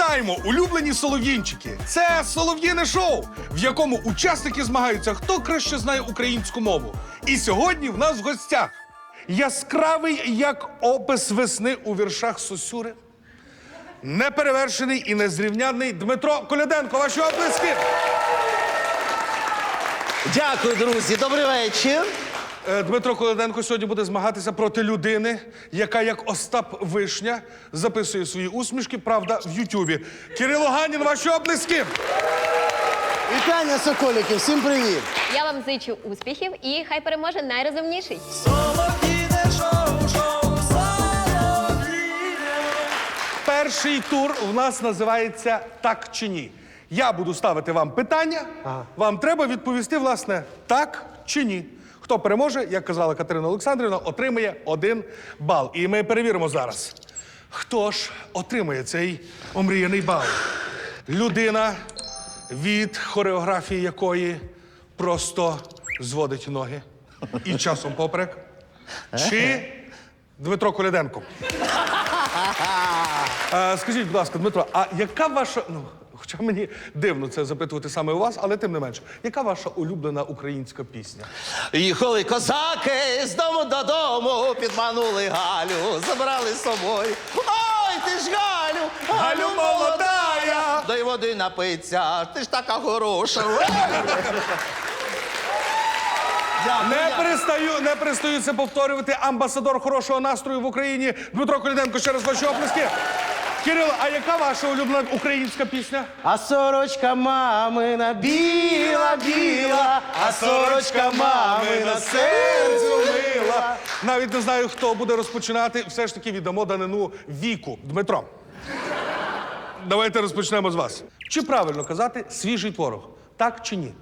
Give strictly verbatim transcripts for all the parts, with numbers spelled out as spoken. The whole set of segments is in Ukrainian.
Вітаємо, улюблені солов'їнчики! Це солов'їне шоу, в якому учасники змагаються, хто краще знає українську мову. І сьогодні в нас в гостях яскравий, як опис весни у віршах Сосюри, неперевершений і незрівнянний Дмитро Коляденко. Ваші оплески! Дякую, друзі. Добрий вечір. Е, Дмитро Коляденко сьогодні буде змагатися проти людини, яка, як Остап Вишня, записує свої усмішки, правда, в Ютубі. Кирило Ганін, ваші оплески! Вітання, соколики, всім привіт! Я вам зичу успіхів і хай переможе найрозумніший. Перший тур у нас називається «Так чи ні?». Я буду ставити вам питання, ага. Вам треба відповісти, власне, так чи ні. Хто переможе, як казала Катерина Олександрівна, отримає один бал. І ми перевіримо зараз, хто ж отримає цей омріяний бал. Людина, від хореографії якої просто зводить ноги і часом поперек. Чи Дмитро Коляденко? А, скажіть, будь ласка, Дмитро, а яка ваша... Ну, хоча мені дивно це запитувати саме у вас, але тим не менше. Яка ваша улюблена українська пісня? Їхали козаки з дому додому, підманули Галю, забрали з собою. Ой, ти ж Галю, Галю молодая! Дай води напиться, ти ж така хороша. Не перестаю, не перестаю це повторювати. Амбасадор хорошого настрою в Україні Дмитро Коляденко. Ще раз ваші оплески. Кирило, а яка ваша улюблена українська пісня? А сорочка мамина біла, біла, а сорочка мамина серцю мила. Навіть не знаю, хто буде розпочинати. Все ж таки віддамо данину віку. Дмитро, давайте розпочнемо з вас. Чи правильно казати свіжий творог? Так чи ні?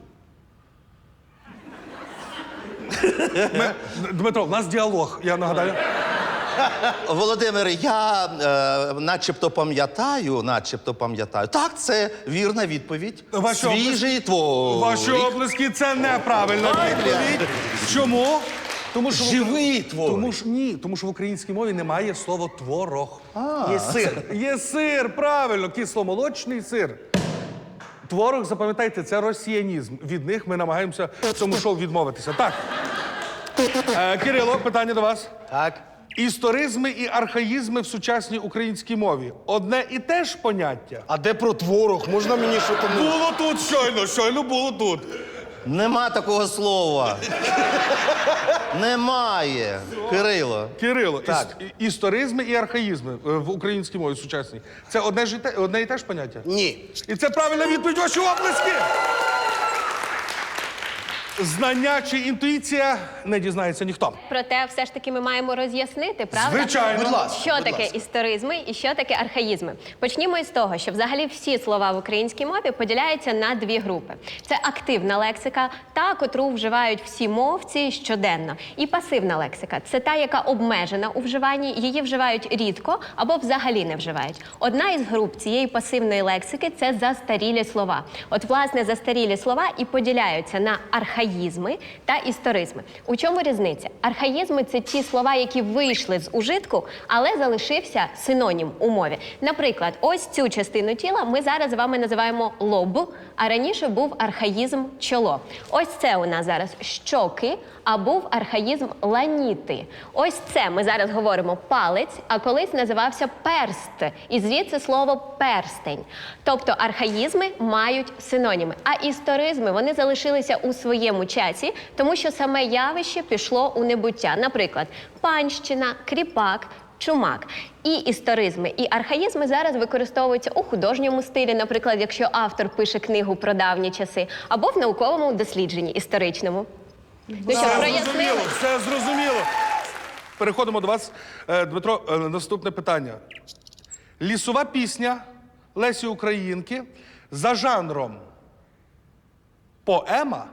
Ми... Дмитро, у нас діалог, я нагадаю. Володимир, я е, начебто пам'ятаю, начебто пам'ятаю. Так, це вірна відповідь. Ваші Свіжий творог. Ваші оплески – це неправильна відповідь. Чому? Тому що Живий творог. Тому ж ні, тому що в українській мові немає слова творог. А, Є сир. Є сир, правильно, кисломолочний сир. Творог, запам'ятайте, це росіянізм. Від них ми намагаємося в цьому шоу відмовитися. Так. Е, Кирило, питання до вас. Так. Історизми і архаїзми в сучасній українській мові. Одне і те ж поняття? А де про творог? Можна мені що там? Було тут щойно, щойно було тут. Нема такого слова. Немає. Кирило. Кирило, Так. іс- історизми і архаїзми е, в українській мові сучасній. Це одне, ж і те, одне і те ж поняття? Ні. І це правильна відповідь, ваші оплески! Знання чи інтуїція не дізнається ніхто. Проте все ж таки ми маємо роз'яснити, правда? Звичайно. Будь ласка, Що будь таке ласка. історизми і що таке архаїзми? Почнімо із того, що взагалі всі слова в українській мові поділяються на дві групи. Це активна лексика, та, котру вживають всі мовці щоденно. І пасивна лексика – це та, яка обмежена у вживанні, її вживають рідко або взагалі не вживають. Одна із груп цієї пасивної лексики – це застарілі слова. От, власне, застарілі слова і поділяються на архаїзми та історизми. У чому різниця? Архаїзми – це ті слова, які вийшли з ужитку, але залишився синонім у мові. Наприклад, ось цю частину тіла ми зараз з вами називаємо лоб, а раніше був архаїзм чоло. Ось це у нас зараз щоки, а був архаїзм ланіти. Ось це ми зараз говоримо палець, а колись називався перст. І звідси слово перстень. Тобто архаїзми мають синоніми, а історизми вони залишилися у своєму часі, тому що саме явище пішло у небуття. Наприклад, панщина, кріпак, чумак. І історизми, і архаїзми зараз використовуються у художньому стилі, наприклад, якщо автор пише книгу про давні часи, або в науковому дослідженні історичному. Ну що, Все прояснили? зрозуміло, все зрозуміло. Переходимо до вас, Е, Дмитро, е, наступне питання. Лісова пісня Лесі Українки за жанром поема?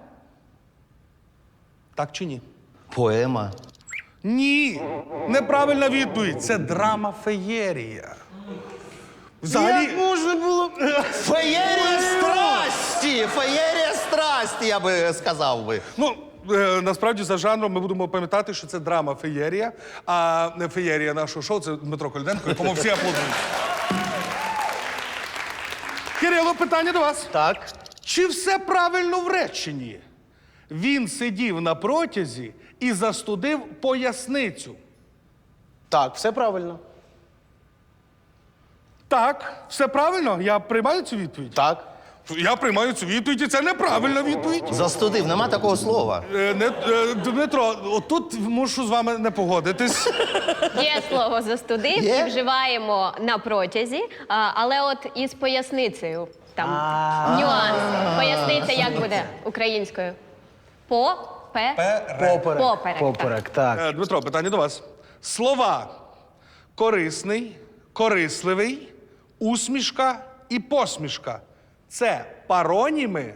Так чи ні? Поема. Ні, неправильна відповідь. Це драма-феєрія. Взагалі... Як можна було? Феєрія страсті! Феєрія страсті, я би сказав би. Ну, е, насправді, за жанром ми будемо пам'ятати, що це драма-феєрія, а не феєрія нашого шоу – це Дмитро Коляденко, якому всі аплодують. Кирило, питання до вас. Так. Чи все правильно в реченні? Він сидів на протязі і застудив поясницю. Так, все правильно. Так, все правильно? Я приймаю цю відповідь? Так. Я приймаю цю відповідь, і це неправильна відповідь. Застудив, нема такого слова. Е, не, е, Дмитро, отут мушу з вами не погодитись. Є слово застудив Є? і вживаємо на протязі, а, але от із поясницею там нюанси. Поясниця як буде українською? По, пе, Поперек. Поперек, Поперек, так. Е, Дмитро, питання до вас. Слова корисний, корисливий, усмішка і посмішка. Це пароніми?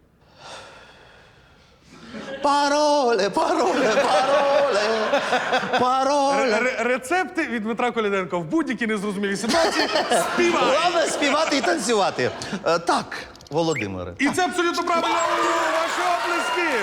Пароле, пароле, пароле, пароле. Ре- Рецепти від Дмитра Коляденка в будь-якій незрозумілій ситуації співай. Головне співати і танцювати. Е, Так, Володимире. І це абсолютно правильно. Ваші оплески.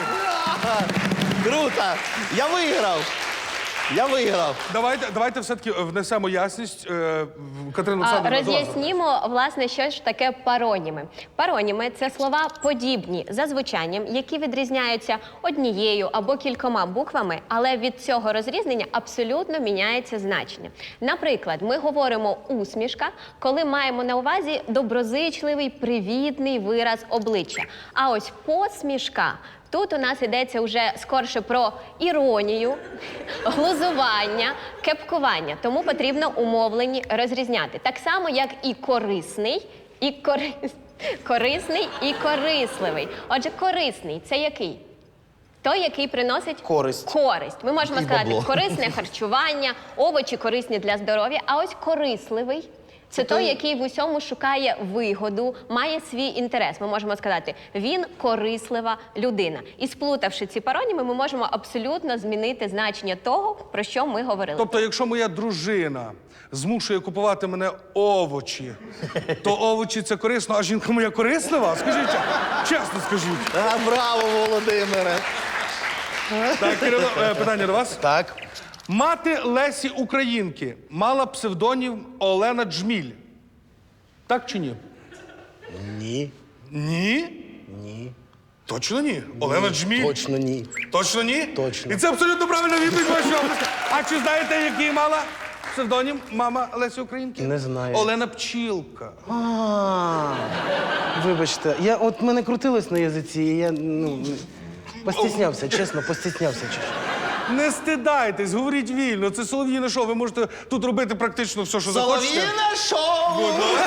Круто! Я виграв! Я виграв! Давайте, давайте все-таки внесемо ясність. Е, в- Катерина А, Олександрівна, до вас. Роз'яснімо, власне, що ж таке пароніми. Пароніми – це слова подібні за звучанням, які відрізняються однією або кількома буквами, але від цього розрізнення абсолютно міняється значення. Наприклад, ми говоримо «усмішка», коли маємо на увазі доброзичливий, привітний вираз обличчя. А ось «посмішка» – тут у нас йдеться вже скорше про іронію, глузування, кепкування. Тому потрібно умовлені розрізняти. Так само, як і корисний, і корис... корисний, і корисливий. Отже, корисний – це який? Той, який приносить Користь. користь. Ми можемо І сказати бабло. корисне харчування, овочі корисні для здоров'я, а ось корисливий – це той, який в усьому шукає вигоду, має свій інтерес. Ми можемо сказати, він корислива людина. І сплутавши ці пароніми, ми можемо абсолютно змінити значення того, про що ми говорили. Тобто, якщо моя дружина змушує купувати мене овочі, то овочі це корисно, а жінка моя корислива? Скажіть, чесно скажіть. А, браво, Володимире! Так, Кирило, е, питання до вас. Так. Мати Лесі Українки мала псевдонім Олена Джміль. Так чи ні? Ні. Ні? Ні. Точно ні? Олена Джміль? Точно ні. Точно ні? Точно. І це абсолютно правильна відповідь вашої області. А чи знаєте, який мала псевдонім мама Лесі Українки? Не знаю. Олена Пчілка. А, вибачте, я от мене крутилось на язиці, і я ну постіснявся, чесно, постіснявся. чесно. Не стидайтесь, говоріть вільно. Це солов'їне шоу. Ви можете тут робити практично все, що захочете. Солов'їне шоу!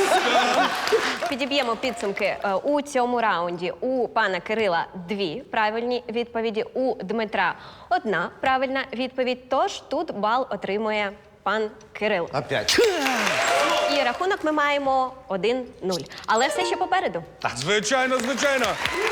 Підіб'ємо підсумки. Е, У цьому раунді у пана Кирила дві правильні відповіді, у Дмитра одна правильна відповідь. Тож тут бал отримує пан Кирил. Опять. І рахунок ми маємо один нуль. Але все ще попереду. Звичайно, звичайно.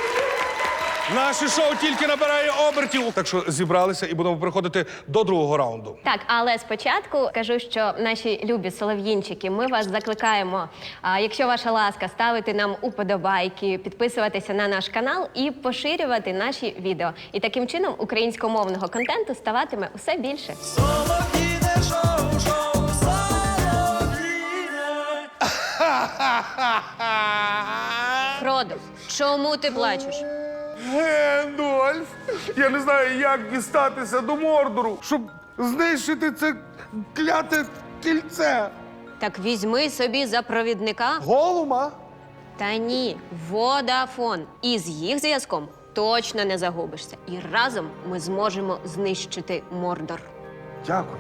Наше шоу тільки набирає обертів. Так що зібралися і будемо переходити до другого раунду. Так, але спочатку кажу, що наші любі солов'їнчики, ми вас закликаємо, а, якщо ваша ласка, ставити нам уподобайки, підписуватися на наш канал і поширювати наші відео. І таким чином українськомовного контенту ставатиме усе більше. Фродо, чому ти плачеш? Гендольф, я не знаю, як дістатися до Мордору, щоб знищити це кляте кільце. Так візьми собі за провідника. Голума? Та ні, Водафон. І з їх зв'язком точно не загубишся. І разом ми зможемо знищити Мордор. Дякую.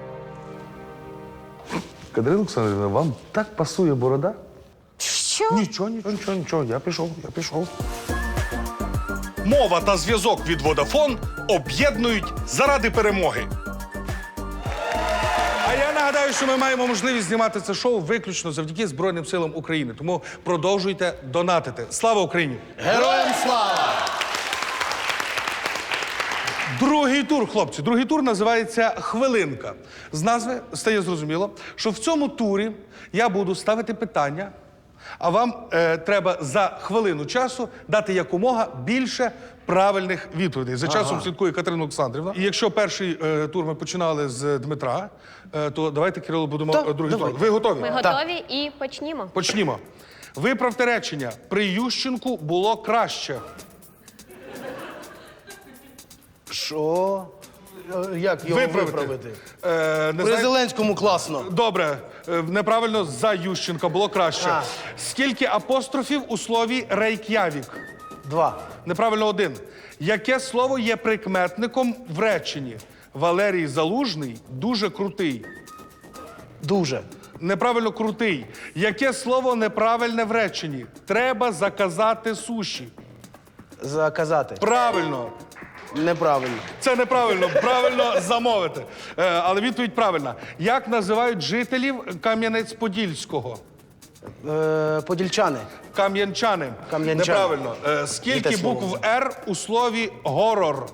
Катерина Олександрівна, вам так пасує борода? Що? Нічого, нічого, нічого, нічого. Я пішов, я пішов. Мова та зв'язок від Vodafone об'єднують заради перемоги. А я нагадаю, що ми маємо можливість знімати це шоу виключно завдяки Збройним силам України. Тому продовжуйте донатити. Слава Україні! Героям слава! Другий тур, хлопці. Другий тур називається «Хвилинка». З назви стає зрозуміло, що в цьому турі я буду ставити питання, А вам е, треба за хвилину часу дати якомога більше правильних відповідей. За часом слідкує Катерина Олександрівна. І якщо перший е, тур ми починали з Дмитра, е, то давайте, Кирило, будемо Так, е, другий давай. тур. Ви готові? Ми готові і почнімо. Почнімо. Виправте речення. При Ющенку було краще. Що? Е, Як його Виправити. виправити? Е, не При знаю- Зеленському класно. Добре, е, неправильно за Ющенка було краще. А. Скільки апострофів у слові Рейк'явік? Два. Неправильно один. Яке слово є прикметником в реченні? Валерій Залужний дуже крутий. Дуже. Неправильно крутий. Яке слово неправильне в реченні? Треба заказати суші. Заказати. Правильно. Неправильно. Це неправильно. Правильно замовити. Е, але відповідь правильна. Як називають жителів Кам'янець-Подільського? Е, подільчани. Кам'янчани. Кам'янчани. Неправильно. Е, скільки Яке слово? букв «Р» у слові горор?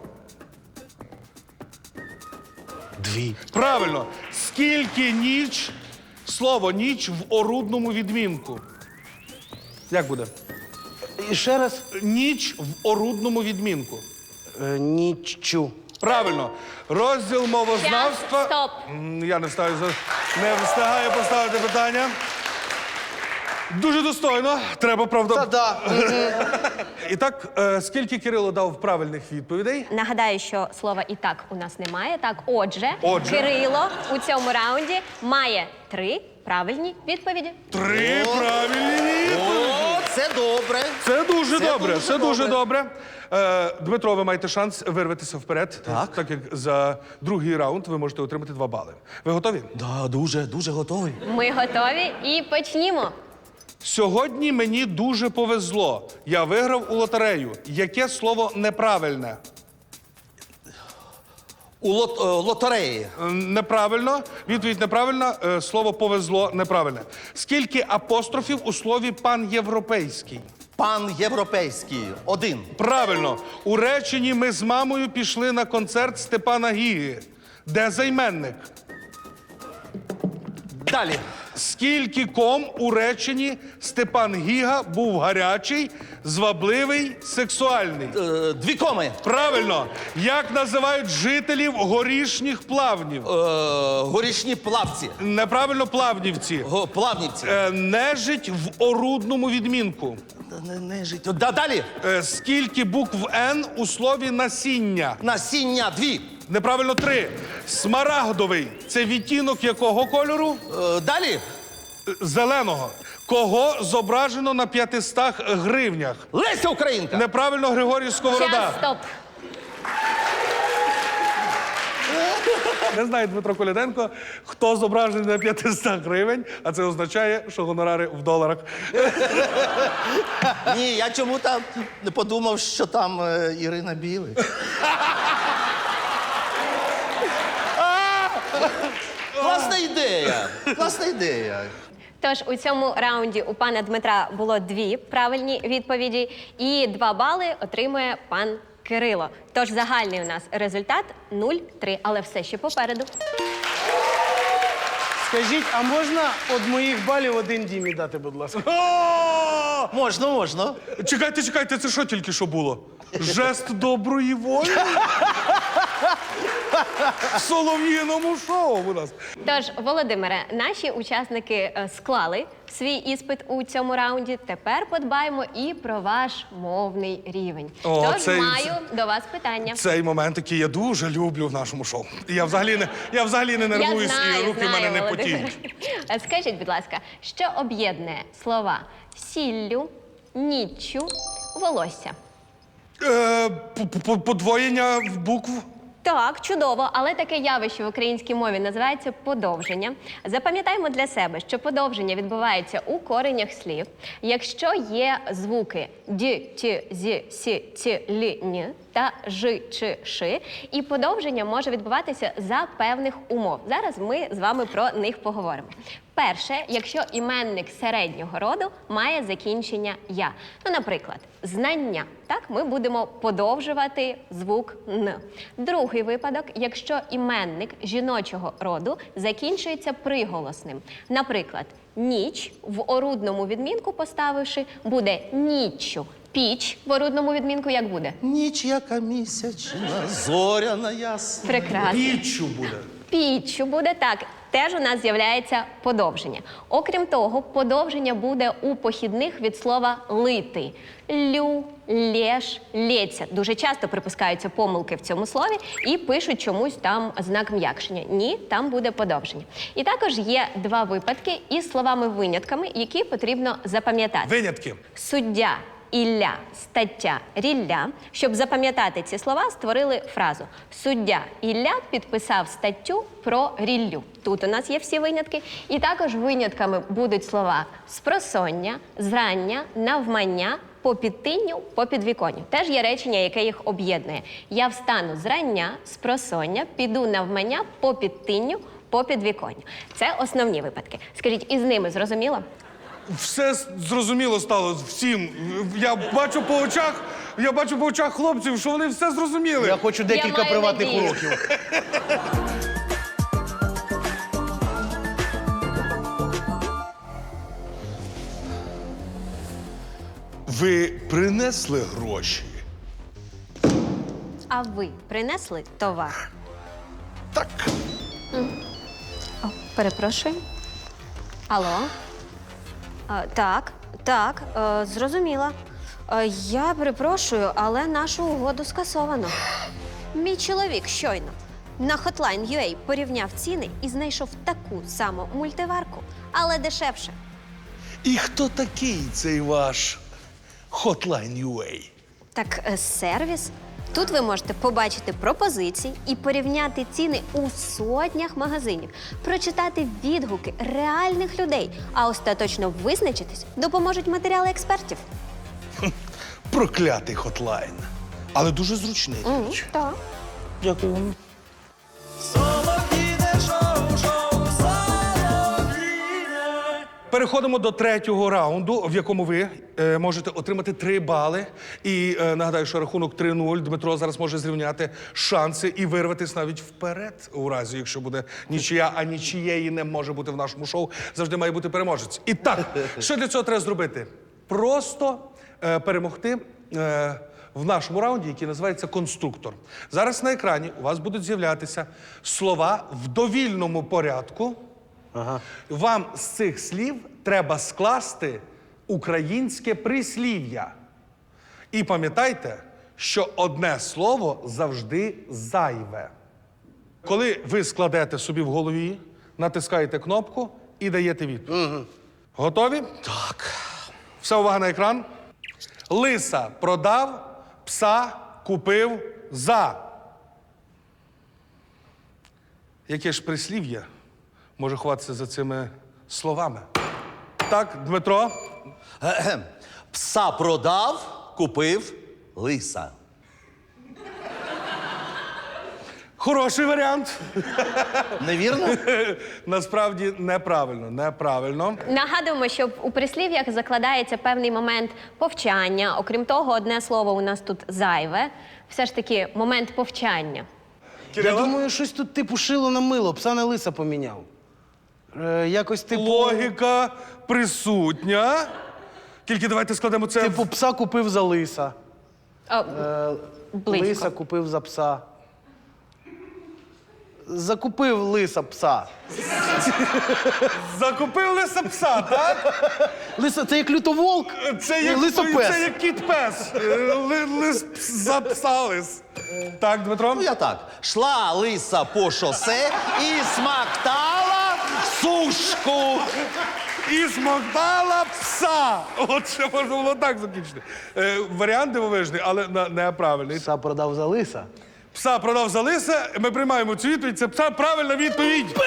Дві. Правильно. Скільки ніч, слово ніч в орудному відмінку? Як буде? І ще раз. Ніч в орудному відмінку. Е, ніччю. Правильно. Розділ мовознавства. Час, стоп. М, Я не встаю за- не встигаю поставити питання. Дуже достойно. Треба, правда. Та да. І так, е, скільки Кирило дав правильних відповідей? Нагадаю, що слова і так у нас немає. Так, отже, Отже. Кирило у цьому раунді має три правильні відповіді. Три правильні відповіді. О, це добре. Це дуже Це добре. дуже Це дуже добре. добре. Е, Дмитро, ви маєте шанс вирватися вперед. Так. Так як за другий раунд ви можете отримати два бали. Ви готові? Да, дуже, дуже готовий. Ми готові і почнімо. Сьогодні мені дуже повезло. Я виграв у лотерею. Яке слово неправильне? У лот, е, лотереї. Е, Неправильно. Відповідь неправильна. Е, Слово повезло неправильне. Скільки апострофів у слові панєвропейський? Пан європейський. Один. Правильно. У реченні ми з мамою пішли на концерт Степана Гіги. Де займенник? Далі. Скільки ком у реченні Степан Гіга був гарячий, звабливий, сексуальний? Е, дві коми. Правильно. Як називають жителів горішніх плавнів? Е, горішні плавці. Неправильно плавнівці. Го, плавнівці. Е, Нежить в орудному відмінку. Не, не жить. Да, далі. Е, Скільки букв «Н» у слові насіння? Насіння. Дві. Неправильно три. Смарагдовий. Це відтінок якого кольору? Е, далі. Е, Зеленого. Кого зображено на п'ятистах гривнях? Леся Українка. Неправильно Григорій Сковорода. Час, стоп. Не знає Дмитро Коляденко, хто зображений на п'ятистах гривень, а це означає, що гонорари в доларах. Ні, я чому там не подумав, що там е, Ірина Білик. Класна ідея. Класна ідея. Тож у цьому раунді у пана Дмитра було дві правильні відповіді, і два бали отримує пан Кирило. Тож загальний у нас результат нуль три, але все ще попереду. Скажіть, а можна від моїх балів один Дімі дати, будь ласка? О! Можна, можна. Чекайте, чекайте, це що тільки що було? Жест доброї волі? В солов'їному шоу у нас. Тож, Володимире, наші учасники е, склали свій іспит у цьому раунді. Тепер подбаємо і про ваш мовний рівень. О, Тож цей- маю до вас питання. Цей момент, який я дуже люблю в нашому шоу. Я взагалі не, я взагалі не нервуюсь, Я знаю, і руки в знаю, мене не Володимире. потіють. А Скажіть, будь ласка, що об'єднує слова сіллю, ніччю, волосся? Е, п- п- подвоєння букв. Так, чудово, але таке явище в українській мові називається подовження. Запам'ятаємо для себе, що подовження відбувається у коренях слів, якщо є звуки д, т, з, с, ц, л, н та ж, ч, ш, і подовження може відбуватися за певних умов. Зараз ми з вами про них поговоримо. Перше, якщо іменник середнього роду має закінчення «я». Ну, наприклад, знання. Так, ми будемо подовжувати звук «н». Другий випадок, якщо іменник жіночого роду закінчується приголосним. Наприклад, ніч в орудному відмінку поставивши, буде ніччю. Піч в орудному відмінку як буде? Ніч яка місячна, зоряна ясна. Прекрасно. Піччю буде. Піччю буде так. Теж у нас з'являється подовження. Окрім того, подовження буде у похідних від слова лити. Лю, лєш, лється. Дуже часто припускаються помилки в цьому слові і пишуть чомусь там знак м'якшення. Ні, там буде подовження. І також є два випадки із словами-винятками, які потрібно запам'ятати. Винятки. Суддя, Ілля, стаття, рілля. Щоб запам'ятати ці слова, створили фразу «Суддя Ілля підписав статтю про ріллю». Тут у нас є всі винятки. І також винятками будуть слова «спросоння», «зрання», «навмання», «по підтинню», «по підвіконню». Теж є речення, яке їх об'єднує. Я встану зрання, спросоння, піду навмання, по підтинню, по підвіконню. Це основні випадки. Скажіть, із ними зрозуміло? Все с- зрозуміло стало всім. Я бачу по очах, я бачу по очах хлопців, що вони все зрозуміли. Я хочу декілька маю приватних надію. уроків. Ви принесли гроші? А ви принесли товар? Так. О, перепрошую. Алло? А, так, так, е, зрозуміла. Е, я перепрошую, але нашу угоду скасовано. Мій чоловік щойно на Hotline точка ю а порівняв ціни і знайшов таку саму мультиварку, але дешевше. І хто такий цей ваш Hotline ю а? Так, е, сервіс. Тут ви можете побачити пропозиції і порівняти ціни у сотнях магазинів, прочитати відгуки реальних людей, а остаточно визначитись допоможуть матеріали експертів. Проклятий хотлайн. Але дуже зручний. до Мгм, речі. так. Дякую вам. Переходимо до третього раунду, в якому ви е, можете отримати три бали. І е, нагадаю, що рахунок три нуль. Дмитро зараз може зрівняти шанси і вирватися навіть вперед, у разі, якщо буде нічия, а нічієї не може бути в нашому шоу. Завжди має бути переможець. І так, що для цього треба зробити? Просто е, перемогти е, в нашому раунді, який називається конструктор. Зараз на екрані у вас будуть з'являтися слова в довільному порядку. Ага. Вам з цих слів треба скласти українське прислів'я. І пам'ятайте, що одне слово завжди зайве. Коли ви складете собі в голові, натискаєте кнопку і даєте відповідь. Угу. Готові? Так. Вся увага на екран. Лиса продав, пса купив за. Яке ж прислів'я може ховатися за цими словами? Так, Дмитро. Гем. Пса продав, купив лиса. Хороший варіант. Невірно? Насправді неправильно, неправильно. Нагадуємо, що у прислів'ях закладається певний момент повчання. Окрім того, одне слово у нас тут зайве. Все ж таки, момент повчання. Я Кирило? думаю, щось тут типу шило на мило, пса на лиса поміняв. Е, якось типу. Логіка присутня. Тільки давайте складемо це. Типу, пса купив за лиса. О, Е, близько. лиса купив за пса. Закупив лиса пса. Закупив лиса пса, так? Лиса, це як лютоволк? Це Ні, як, лисопес. це як кіт-пес. Е, ли- Лис пс- за пса лис. Так, Дмитро? Ну я так. Шла лиса по шосе і смактала сушку. І смоктала пса. От ще можна було так закінчити. Е, варіант дивовижний, але на- неправильний. Пса продав за лиса. Пса продав за лиса, ми приймаємо цю відповідь. Це пса правильна відповідь.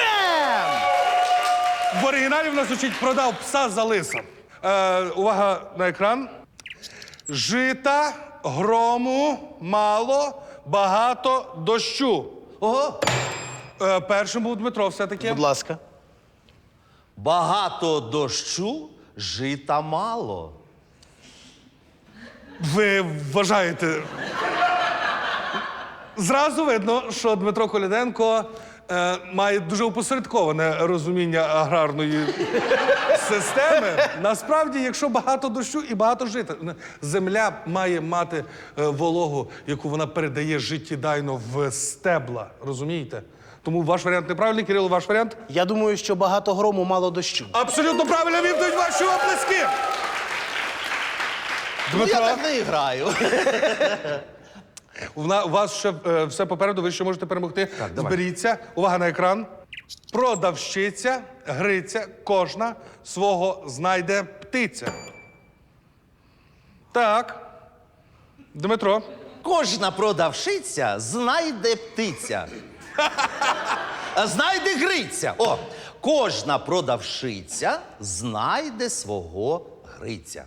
В оригіналі в нас звучить продав пса за лиса. Е, увага на екран. Жита, грому, мало, багато дощу. Ого. Е, першим був Дмитро все-таки. Будь ласка. Багато дощу, жита мало. Ви вважаєте. Зразу видно, що Дмитро Коляденко е, має дуже опосередковане розуміння аграрної системи. Насправді, якщо багато дощу і багато жита, земля має мати е, вологу, яку вона передає життєдайно в стебла. Розумієте? Тому ваш варіант неправильний. Кирило, ваш варіант? Я думаю, що багато грому, мало дощу. Абсолютно правильно відповідь, ваші оплески! Ну, я Дмитро, так не граю. у на- у вас ще е, все попереду, ви ще можете перемогти. Зберіться. Увага на екран. Продавщиця, гриця, кожна свого знайде птиця. Так. Дмитро. Кожна продавщиця знайде птиця. А знайде гриця. О, кожна продавщиця знайде свого гриця.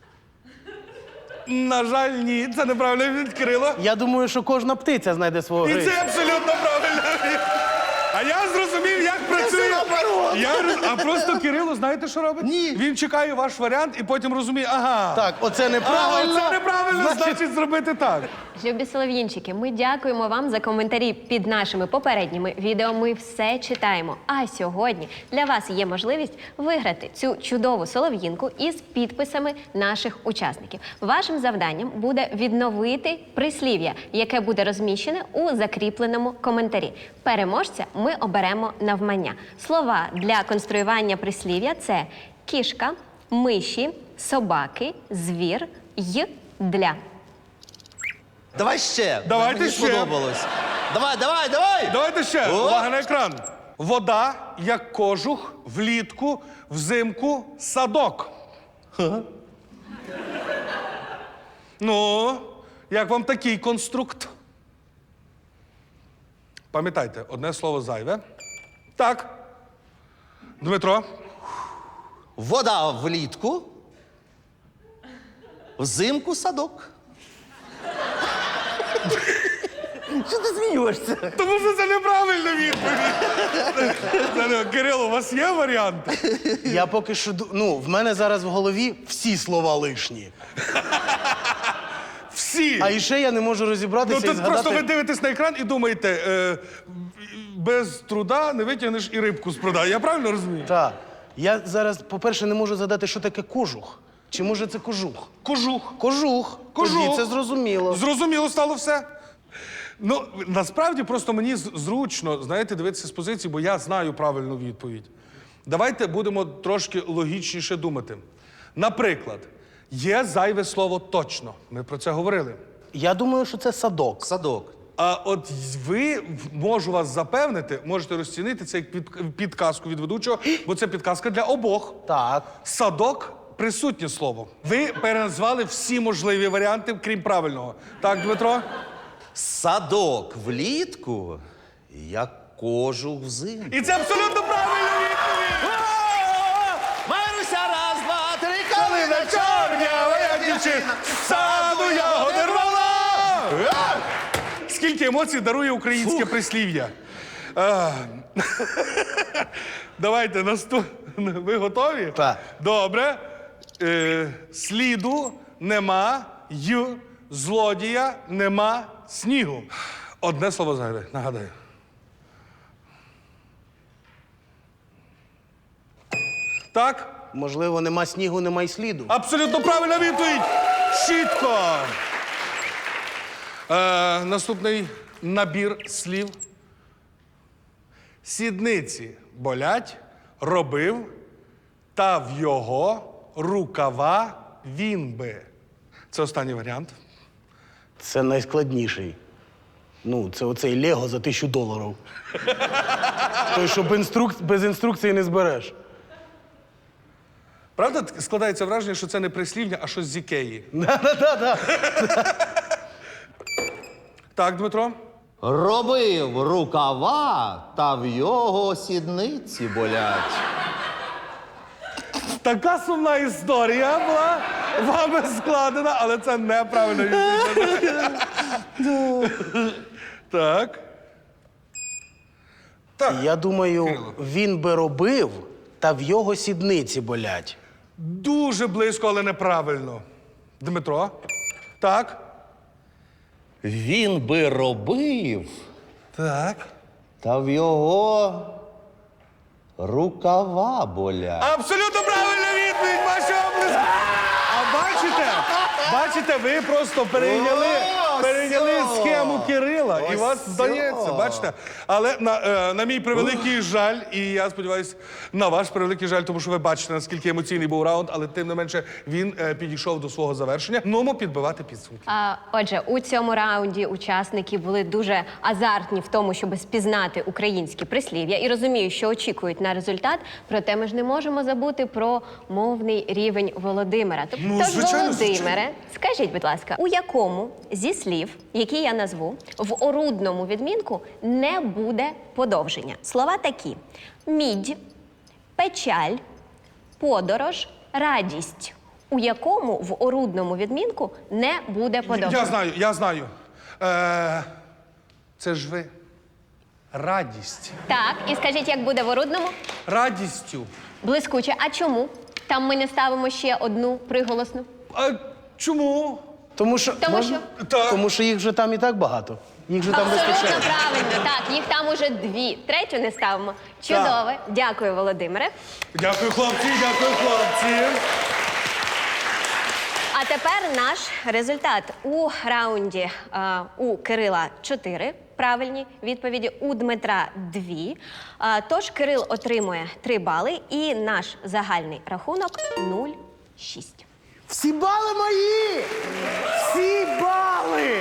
На жаль, ні, це неправильно від Кирило. Я думаю, що кожна птиця знайде свого І гриця. це абсолютно правильно. А я зрозумів, як працює. наоборот. Я, роз- а просто Кирило, знаєте, що робить? Ні. Він чекає ваш варіант і потім розуміє, ага. Так, оце Ага, неправильно. це неправильно, значить зробити так. Любі солов'їнчики, ми дякуємо вам за коментарі під нашими попередніми відео. Ми все читаємо. А сьогодні для вас є можливість виграти цю чудову солов'їнку із підписами наших учасників. Вашим завданням буде відновити прислів'я, яке буде розміщене у закріпленому коментарі. Переможця ми оберемо навмання. Слова для конструювання прислів'я – це кішка, миші, собаки, звір, й, для. Давай ще. Давайте Мені ще. сподобалось. Давай, давай, давай. Давайте ще. О! Увага на екран. Вода, як кожух, влітку, взимку, садок. Ну, як вам такий конструкт? Пам'ятайте, одне слово зайве. Так. Дмитро. Вода влітку, взимку садок. Що ти смієшся? Тому що це неправильна відповідь. Це не- Кирило, у вас є варіанти? Я поки що, ду- ну, в мене зараз в голові всі слова лишні. Всі. А іще я не можу розібратися Ну і тут згадати... просто ви дивитесь на екран і думаєте, е, без труда не витягнеш і рибку з пруда. Я правильно розумію? Так. Я зараз, по-перше, не можу згадати, що таке кожух. Чи може це кожух? Кожух. Кожух. Кожух. Тоді це зрозуміло. Зрозуміло стало все. Ну, насправді просто мені з- зручно, знаєте, дивитися з позиції, бо я знаю правильну відповідь. Давайте будемо трошки логічніше думати. Наприклад, є зайве слово точно. Ми про це говорили. Я думаю, що це садок. Садок. А от ви, можу вас запевнити, можете розцінити це як під, підказку від ведучого, бо це підказка для обох. Так. Садок присутнє слово. Ви переназвали всі можливі варіанти, крім правильного. Так, Дмитро? Садок влітку, як кожух взимку. І це абсолютно правильна відповідь! Маруся, раз, два, три, Калина чорнява, як дівчина, з саду ягоди рвала! Скільки емоцій дарує українське прислів'я. А, Давайте наступ... Ви готові? Так. Добре. Е, сліду нема, й, злодія нема, снігу. Одне слово зайве, нагадаю. Так? Можливо, нема снігу, нема й сліду. Абсолютно правильна відповідь! Чітко! Е, наступний набір слів. Сідниці болять, робив, та в його рукава він би. Це останній варіант. Це найскладніший. Ну, це оцей Лего за тисячу доларів. Той, що без, інструк... без інструкції не збереш. Правда, т- складається враження, що це не прислів'я, а щось з Ікеї. Да-да-да. Так, Дмитро? Робив рукава, та в його сідниці болять. Така сумна історія була вами складена, але це неправильно відповідь. Так. Так. Я думаю, Кирило. він би робив, та в його сідниці болять. Дуже близько, але неправильно. Дмитро? Так. Він би робив, Так. Та в його рукава болять. Абсолютно правильна відповідь, ваші обласки. А бачите, бачите, ви просто перейняли, О, перейняли все. схему Кирила, і Ось вас все. здається, бачите. Але на, е, на мій превеликий жаль, і я сподіваюся, на ваш превеликий жаль, тому що ви бачите, наскільки емоційний був раунд, але тим не менше він е, підійшов до свого завершення. Нумо підбивати підсумки. А, отже, у цьому раунді учасники були дуже азартні в тому, щоб спізнати українські прислів'я і розумію, що очікують на результат. Проте ми ж не можемо забути про мовний рівень Володимира. Тоб- Ну, Тож, звичайно, Володимире, скажіть, будь ласка, у якому зі слів, які я назву, в орудному відмінку не буде подовження? Слова такі: мідь, печаль, подорож, радість. У якому в орудному відмінку не буде подовження? Я знаю, я знаю. Е, це ж ви. Радість. Так, і скажіть, як буде в орудному? Радістю. Блискуче. А чому? Там ми не ставимо ще одну приголосну. А чому? Тому що, Тому можна? що? Так. Тому що їх вже там і так багато. Їх же там Абсолютно вистачає. правильно. Так, їх там уже дві. Третю не ставимо. Чудове. Дякую, Володимире. Дякую, хлопці, дякую, хлопці. А тепер наш результат. У раунді а, у Кирила чотири правильні відповіді, у Дмитра дві. А, тож Кирил отримує три бали і наш загальний рахунок нуль шість. Всі бали мої! Всі бали!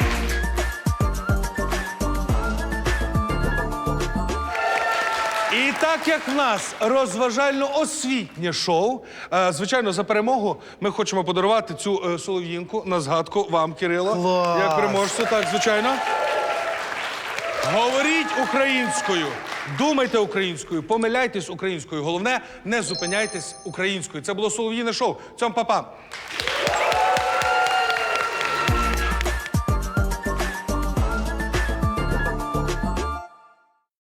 І так як в нас розважально-освітнє шоу, е, звичайно, за перемогу ми хочемо подарувати цю е, солов'їнку на згадку вам, Кирило. Клас! Як переможцю, так, звичайно. Говоріть українською, думайте українською, помиляйтесь українською. Головне, не зупиняйтесь українською. Це було солов'їне шоу. Цьом, па-па.